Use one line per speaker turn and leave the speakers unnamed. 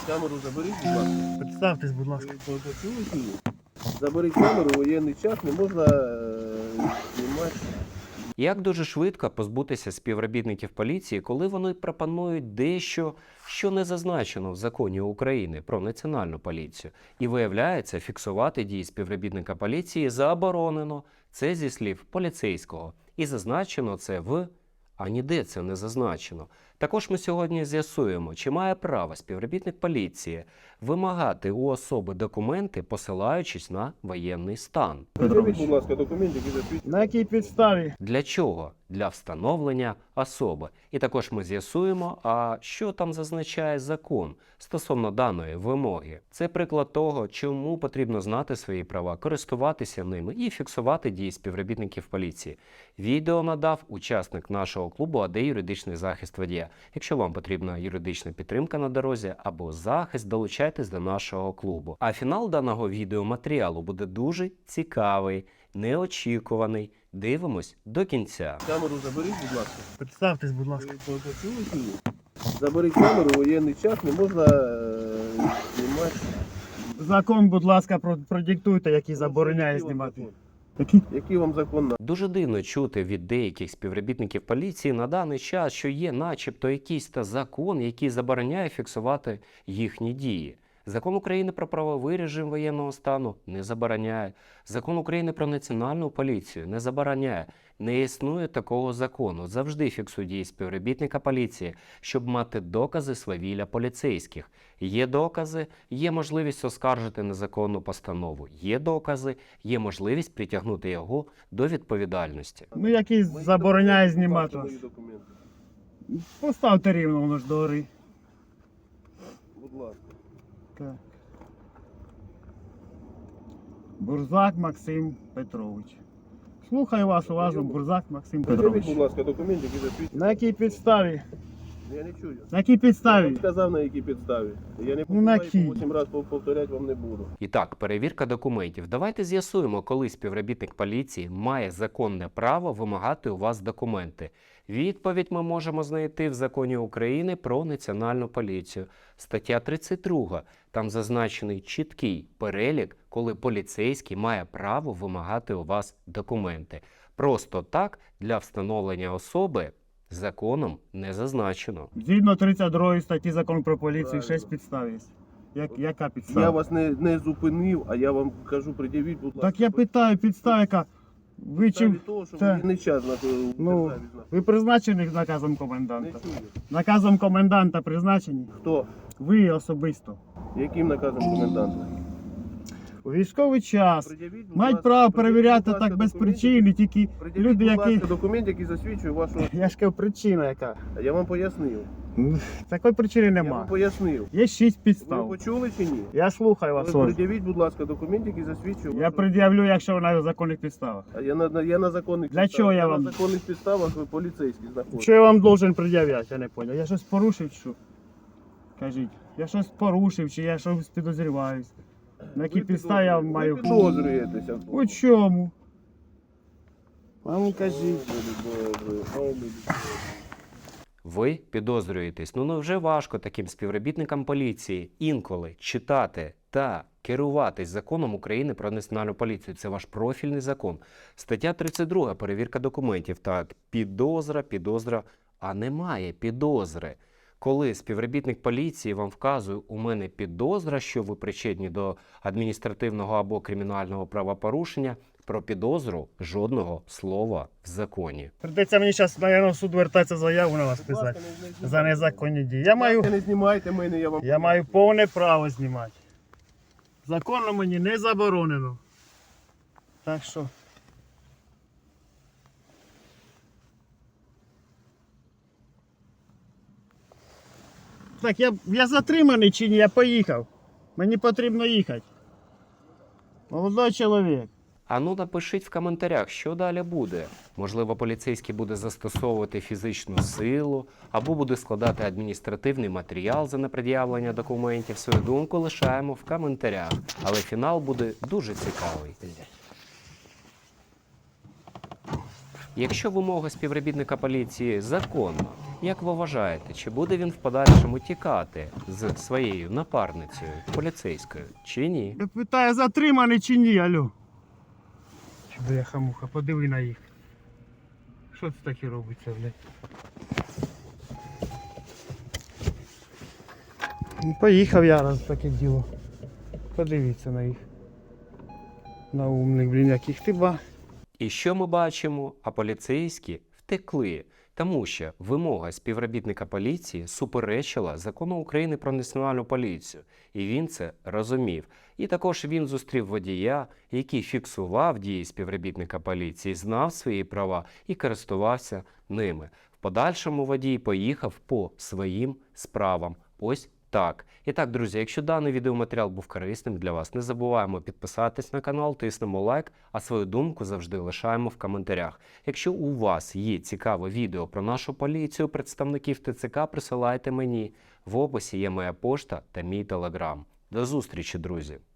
Камеру заберіть, будь ласка.
Представтесь, будь ласка.
Ви почули чи ні? Заберіть камеру, воєнний час, не можна знімати.
Як дуже швидко позбутися співробітників поліції, коли вони пропонують дещо, що не зазначено в законі України про національну поліцію. І виявляється, фіксувати дії співробітника поліції заборонено. Це зі слів поліцейського. І зазначено це в... А ніде це не зазначено. Також ми сьогодні з'ясуємо, чи має право співробітник поліції вимагати у особи документи, посилаючись на воєнний стан.
Подивіть, будь ласка, документи, які засвідчують.
На якій підставі?
Для чого? Для встановлення особи. І також ми з'ясуємо, а що там зазначає закон стосовно даної вимоги. Це приклад того, чому потрібно знати свої права, користуватися ними і фіксувати дії співробітників поліції. Відео надав учасник нашого клубу АД «Юридичний захист водія». Якщо вам потрібна юридична підтримка на дорозі або захист, долучайтесь до нашого клубу. А фінал даного відеоматеріалу буде дуже цікавий, неочікуваний. Дивимось до кінця.
Камеру заберіть, будь ласка.
Представтесь, будь ласка.
Ви почули чи ні? Заберіть камеру, воєнний час, не можна знімати.
Закон, будь ласка, продиктуйте, який забороняє
Який вам
знімати.
закон?
Який?
Який вам закон на?
Дуже дивно чути від деяких співробітників поліції на даний час, що є начебто якийсь та закон, який забороняє фіксувати їхні дії. Закон України про правовий режим воєнного стану не забороняє. Закон України про національну поліцію не забороняє. Не існує такого закону. Завжди фіксуй дії співробітника поліції, щоб мати докази свавілля поліцейських. Є докази, є можливість оскаржити незаконну постанову. Є докази, є можливість притягнути його до відповідальності.
Ну, який забороняє знімати вас.
Мої документи.
Поставте рівно, воно ж догори.
Будь ласка.
Так. Бурзак Максим Петрович. Слухаю вас уважно, Бурзак Максим
Подивіть,
Петрович.
будь ласка, документи, які засвідчують.
На якій підставі?
Я не чую.
На якій
Я
підставі?
вам сказав, на якій підставі. Я не
Ну, на
повторяю,
якій?
по 8 разів повторяти вам не буду.
І так, перевірка документів. Давайте з'ясуємо, коли співробітник поліції має законне право вимагати у вас документи. Відповідь ми можемо знайти в Законі України про національну поліцію. Стаття 32. Там зазначений чіткий перелік, коли поліцейський має право вимагати у вас документи. Просто так для встановлення особи законом не зазначено.
Згідно 32 статті Закону про поліцію,
Правильно.
6 підстав є. Яка підстава?
Я вас не зупинив, а я вам кажу, пред'явіть, будь ласка.
Так я питаю, підстава яка? Ви
Підставі
чим?
того, що
Та.
воєнний час на державі
Ну,
знаходиться.
ви призначені наказом
Не
коменданта?
чую.
Наказом коменданта призначені?
Хто?
Ви особисто.
Яким наказом коменданта?
У військовий час
Пред'явіть, будь
мають
ласка,
право
пред'явіть,
перевіряти
будь ласка,
так без
документи.
причини, тільки
Пред'явіть,
люди,
будь
які...
ласка, документ, який засвідчує вашу...
Я ж кажу, причина яка?
Я вам пояснив.
Такої причини
Я вам
нема.
пояснив.
Є 6
Ви
підстав.
почули чи ні?
Я слухаю вас.
Ви
Оль.
пред'явіть, будь ласка, документ, який засвідчує
Я
вашу...
пред'явлю, якщо ви на законних підставах.
А я на законних
Для
підставах.
чого я вам-
На законних підставах ви поліцейські знаходитесь.
Що я вам должен пред'являти, я не зрозумів. Я щось порушив, що? Кажіть, я щось порушив, чи я щось підозріваюсь. На якій підставі я маю...
Ви підозрюєтеся.
У чому? А ну кажіть.
Ви підозрюєтесь. Ну вже важко таким співробітникам поліції інколи читати та керуватись законом України про національну поліцію. Це ваш профільний закон. Стаття 32. Перевірка документів. Так, підозра, а немає підозри. Коли співробітник поліції вам вказує, у мене підозра, що ви причетні до адміністративного або кримінального правопорушення, про підозру жодного слова в законі.
Придеться мені зараз, наверное, в суд вертатися заяву на вас писати. За незаконні дії.
Не знімайте мене, я вам...
Я маю повне право знімати. Законно мені не заборонено. Так що. Так, я затриманий чи ні, я поїхав. Мені потрібно їхати. Молодой чоловік.
А ну напишіть в коментарях, що далі буде. Можливо, поліцейський буде застосовувати фізичну силу, або буде складати адміністративний матеріал за непред'явлення документів. Свою думку лишаємо в коментарях. Але фінал буде дуже цікавий. Якщо вимога співробітника поліції законна, як ви вважаєте, чи буде він в подальшому тікати з своєю напарницею поліцейською, чи ні?
Я питаю, затриманий чи ні, алло? Бляха-муха, подиви на їх. Що це таке робиться, блядь? Ну, поїхав я раз таке діло. Подивіться на їх. На умних, блін, яких ти ба.
І що ми бачимо? А поліцейські втекли, тому що вимога співробітника поліції суперечила закону України про національну поліцію, і він це розумів. І також він зустрів водія, який фіксував дії співробітника поліції, знав свої права і користувався ними. В подальшому водій поїхав по своїм справам. Ось так. І так, друзі, якщо даний відеоматеріал був корисним для вас, не забуваємо підписатись на канал, тиснемо лайк, а свою думку завжди лишаємо в коментарях. Якщо у вас є цікаве відео про нашу поліцію, представників ТЦК, присилайте мені. В описі є моя пошта та мій телеграм. До зустрічі, друзі!